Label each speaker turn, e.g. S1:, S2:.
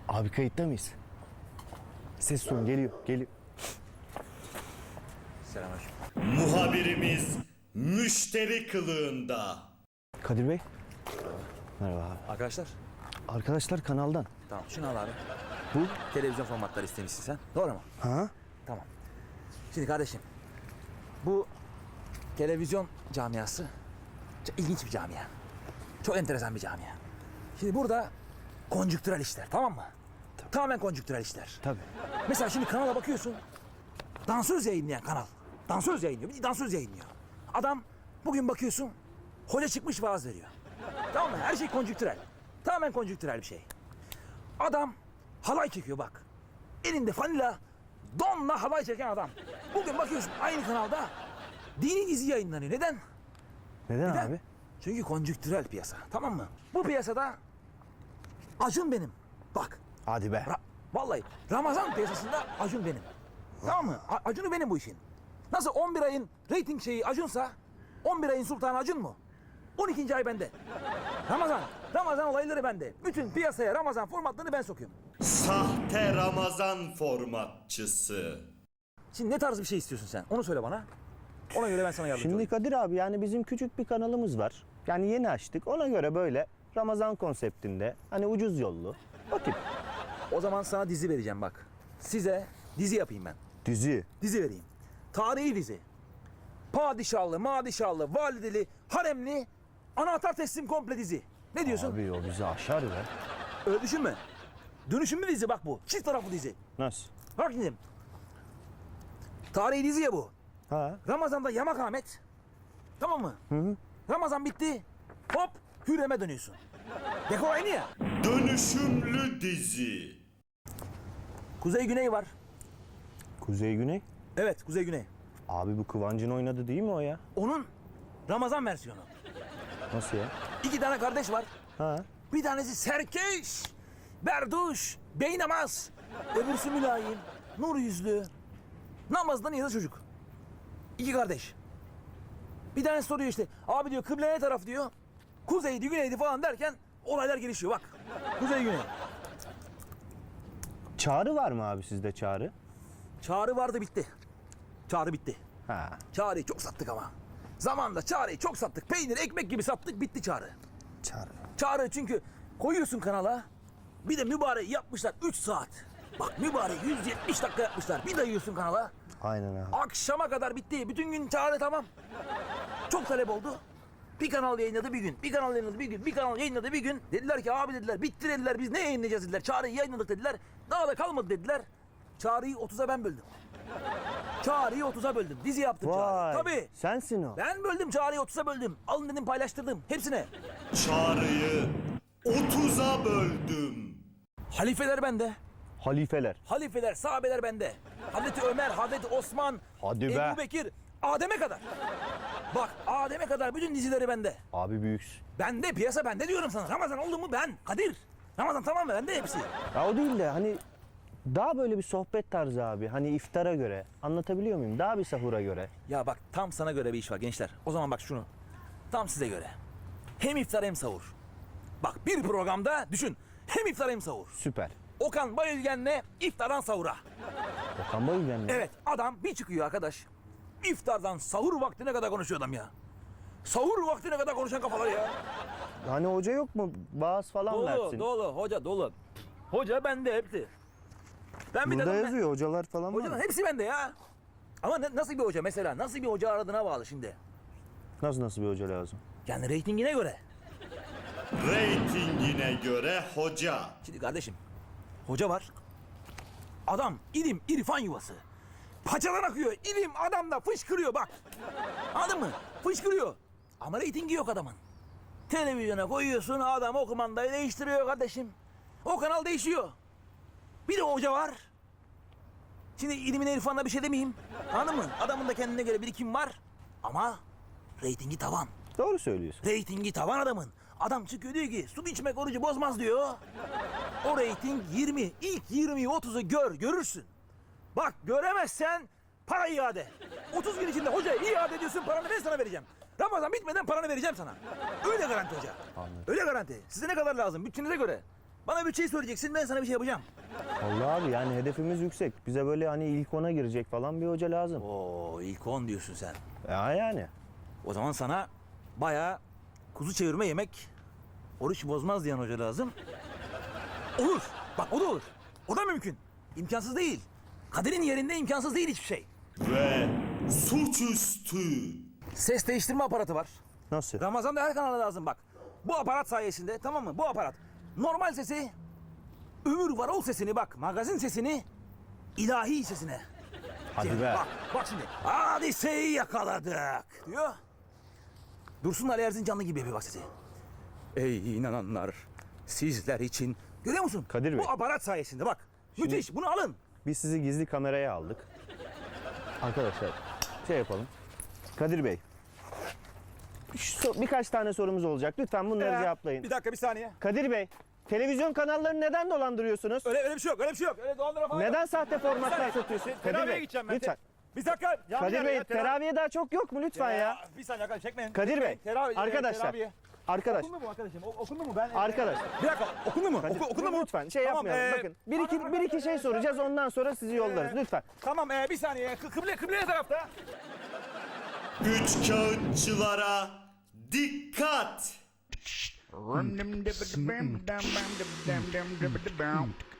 S1: Abi kayıtta mıyız? Ses son geliyor, geliyor.
S2: Selamünaleyküm.
S3: Muhabirimiz müşteri kılığında.
S1: Kadir Bey. Merhaba abi.
S2: Arkadaşlar.
S1: Arkadaşlar kanaldan.
S2: Tamam şunu al abi.
S1: Bu?
S2: Televizyon formatları istemişsin sen. Doğru mu?
S1: Ha?
S2: Tamam. Şimdi kardeşim. Bu televizyon camiası çok ilginç bir camia. Çok enteresan bir camia. Şimdi burada konjüktürel işler, tamam mı? Tamamen konjüktürel işler.
S1: Tabii.
S2: Mesela şimdi kanala bakıyorsun. Dansöz yayınlayan kanal. Dansöz yayınlıyor. Bir dansöz yayınlıyor. Adam bugün bakıyorsun hoca çıkmış vaaz veriyor. Tamam mı? Her şey konjüktürel. Tamamen konjüktürel bir şey. Adam halay çekiyor bak. Elinde fanila donla halay çeken adam. Bugün bakıyorsun aynı kanalda dini dizi yayınlanıyor. Neden?
S1: Neden,
S2: Neden?
S1: abi?
S2: Çünkü konjüktürel piyasa. Tamam mı? Bu piyasada Acun benim. Bak.
S1: Hadi be.
S2: Vallahi Ramazan piyasasında Acun benim. Tamam mı? Acun'u benim bu işin. Nasıl 11 ayın reyting şeyi Acun'sa 11 ayın sultanı Acun mu? 12. ay bende. Ramazan olayları bende. Bütün piyasaya Ramazan formatlarını ben sokuyorum.
S3: Sahte Ramazan formatçısı.
S2: Şimdi ne tarz bir şey istiyorsun sen? Onu söyle bana. Ona göre ben sana yardımcı
S1: Şimdi
S2: olayım.
S1: Kadir abi yani bizim küçük bir kanalımız var. Yani yeni açtık. Ona göre böyle Ramazan konseptinde hani ucuz yollu. Bakayım.
S2: O zaman sana dizi vereceğim bak. Size dizi yapayım ben.
S1: Dizi.
S2: Dizi vereyim. Tarihi dizi. Padişahlı, madişahlı, valideli, haremli, anahtar teslim komple dizi. Ne diyorsun?
S1: Abi o bizi aşar be.
S2: Öyle düşünme. Dönüşümlü dizi bak bu. Çift taraflı dizi.
S1: Nasıl?
S2: Bak şimdi. Tarihi dizi ya bu.
S1: Ha?
S2: Ramazan'da yamak Ahmet. Tamam mı? Hı. Ramazan bitti. Hop Hürrem'e dönüyorsun. Dekor aynı ya.
S3: Dönüşümlü dizi.
S2: Kuzey Güney var.
S1: Kuzey Güney.
S2: Evet Kuzey Güney.
S1: Abi bu Kıvancın oynadı değil mi o ya?
S2: Onun Ramazan versiyonu.
S1: Nasıl ya?
S2: 2 tane kardeş var.
S1: Ha?
S2: Bir tanesi serkeş, berduş, beynamaz. Öbürsü mülayim, nur yüzlü. Namazdan iyi çocuk. 2 kardeş. Bir tanesi soruyor işte. Abi diyor kıble ne taraf diyor. Kuzeydi, güneydi falan derken olaylar gelişiyor bak. Kuzey, güney.
S1: Çağrı var mı abi sizde Çağrı?
S2: Çağrı vardı bitti. Çağrı bitti.
S1: Ha.
S2: Çağrı'yı çok sattık ama. Zamanında Çağrı'yı çok sattık. Peynir, ekmek gibi sattık bitti Çağrı.
S1: Çağrı.
S2: Çağrı çünkü koyuyorsun kanala. Bir de mübarek yapmışlar 3 saat. Bak mübarek 170 dakika yapmışlar. Bir dayıyorsun kanala.
S1: Aynen abi.
S2: Akşama kadar bitti. Bütün gün Çağrı tamam. Çok talep oldu. Bir kanal yayınladı bir gün. Bir kanal yayınladı bir gün. Bir kanal yayınladı bir gün. Dediler ki abi dediler bitti dediler. Biz ne yayınlayacağız dediler. Çağrı'yı yayınladık dediler. Daha da kalmadı dediler. Çağrı'yı 30'a ben böldüm. Çağrı'yı 30'a böldüm. Dizi yaptım Çağrı.
S1: Vay.
S2: Tabii.
S1: Sensin o.
S2: Ben böldüm Çağrı'yı 30'a böldüm. Alın dedim paylaştırdım. Hepsine.
S3: Çağrı'yı 30'a böldüm.
S2: Halifeler bende.
S1: Halifeler.
S2: Halifeler, sahabeler bende. Hazreti Ömer, Hazreti Osman,
S1: Hadi be.
S2: Ebu Bekir, Adem'e kadar. Bak Adem'e kadar bütün dizileri bende.
S1: Abi büyüksün.
S2: Bende, piyasa bende diyorum sana. Ramazan oldu mu ben, Kadir. Ramazan tamam mı? Bende hepsi.
S1: Ya o değil de hani daha böyle bir sohbet tarzı abi. Hani iftara göre. Anlatabiliyor muyum? Daha bir sahura göre.
S2: Ya bak tam sana göre bir iş var gençler. O zaman bak şunu. Tam size göre. Hem iftar hem sahur. Bak bir programda düşün. Hem iftar hem sahur.
S1: Süper.
S2: Okan Bayülgen'le iftardan sahura.
S1: Okan Bayülgen mi?
S2: Evet adam bir çıkıyor arkadaş. İftardan sahur vaktine kadar konuşuyor adam ya. Sahur vaktine kadar konuşan kafalar ya.
S1: Hani hoca yok mu? Vaaz falan versin.
S2: Dolu hoca dolu. Hoca bende hepsi. Ben bir
S1: Burada
S2: dedim
S1: yazıyor hocalar falan var.
S2: Hocanın hepsi bende ya. Ama nasıl bir hoca mesela? Nasıl bir hoca aradığına bağlı şimdi.
S1: Nasıl bir hoca lazım?
S2: Yani reytingine göre.
S3: Reytingine göre hoca.
S2: Şimdi kardeşim hoca var. Adam ilim irfan yuvası. Paçadan akıyor. İlim adamda fışkırıyor bak. Anladın mı? Fışkırıyor. Ama reytingi yok adamın. Televizyona koyuyorsun adam o kumandayı değiştiriyor kardeşim. O kanal değişiyor. Bir de hoca var. Şimdi ilimine irfanla bir şey demeyeyim. Anladın mı? Adamın da kendine göre birikim var. Ama reytingi tavan.
S1: Doğru söylüyorsun.
S2: Reytingi tavan adamın. Adam çıkıyor diyor ki su içmek orucu bozmaz diyor. O reyting 20. İlk 20'yi 30'u görürsün. Bak göremezsen para iade. 30 gün içinde hoca iade ediyorsun paranı ben sana vereceğim. Ramazan bitmeden paranı vereceğim sana. Öyle garanti hoca.
S1: Anladım.
S2: Öyle garanti. Size ne kadar lazım bütçenize göre. Bana bütçeyi söyleyeceksin, ben sana bir şey yapacağım.
S1: Allah abi yani hedefimiz yüksek. Bize böyle hani ilk 10'a girecek falan bir hoca lazım.
S2: Oo, ilk 10 diyorsun sen.
S1: Ya yani.
S2: O zaman sana bayağı kuzu çevirme yemek, oruç bozmaz diyen hoca lazım. Olur. Bak o da olur. O da mümkün. İmkansız değil. Kaderin yerinde imkansız değil hiçbir şey.
S3: Ve suçüstü.
S2: Ses değiştirme aparatı var.
S1: Nasıl?
S2: Ramazan'da her kanala lazım bak. Bu aparat sayesinde, tamam mı? Bu aparat. Normal sesi, ömür varol sesini bak. Magazin sesini, ilahi sesine.
S1: Hadi be.
S2: Bak şimdi. Hadiseyi yakaladık diyor. Dursun Ali Erzincanlı gibi yapıyor bak sesi. Ey inananlar, sizler için. Görüyor musun?
S1: Kadir Bey.
S2: Bu aparat sayesinde bak. Müthiş, bunu alın.
S1: Biz sizi gizli kameraya aldık. Arkadaşlar şey yapalım. Kadir Bey. Birkaç tane sorumuz olacak. Lütfen bunları cevaplayın.
S2: Bir dakika, bir saniye.
S1: Kadir Bey, televizyon kanallarını neden dolandırıyorsunuz?
S2: Öyle bir şey yok, öyle bir şey yok. Öyle dolandıra falan yok.
S1: Neden sahte formatlar satıyorsun? Kadir
S2: Teraviye
S1: Bey,
S2: gideceğim ben.
S1: lütfen.
S2: Bir dakika.
S1: Kadir Bey, teraviye daha çok yok mu lütfen ya?
S2: Bir saniye arkadaş, çekmeyin.
S1: Kadir Bey, arkadaşlar.
S2: Teraviye.
S1: Arkadaş,
S2: Okundu mu arkadaşım? Okundu mu? Ben
S1: arkadaş.
S2: Bir dakika, okundu mu?
S1: Kadir,
S2: Okundu mu?
S1: lütfen şey
S2: Tamam,
S1: yapmayalım. Bakın, bir iki şey soracağız ondan sonra sizi yollarız lütfen.
S2: Tamam, bir saniye. Kıble ne tarafta?
S3: Üç kağıtçılara dikkat.
S4: Rum dum dum dum dum dum dum dum dum dum dum.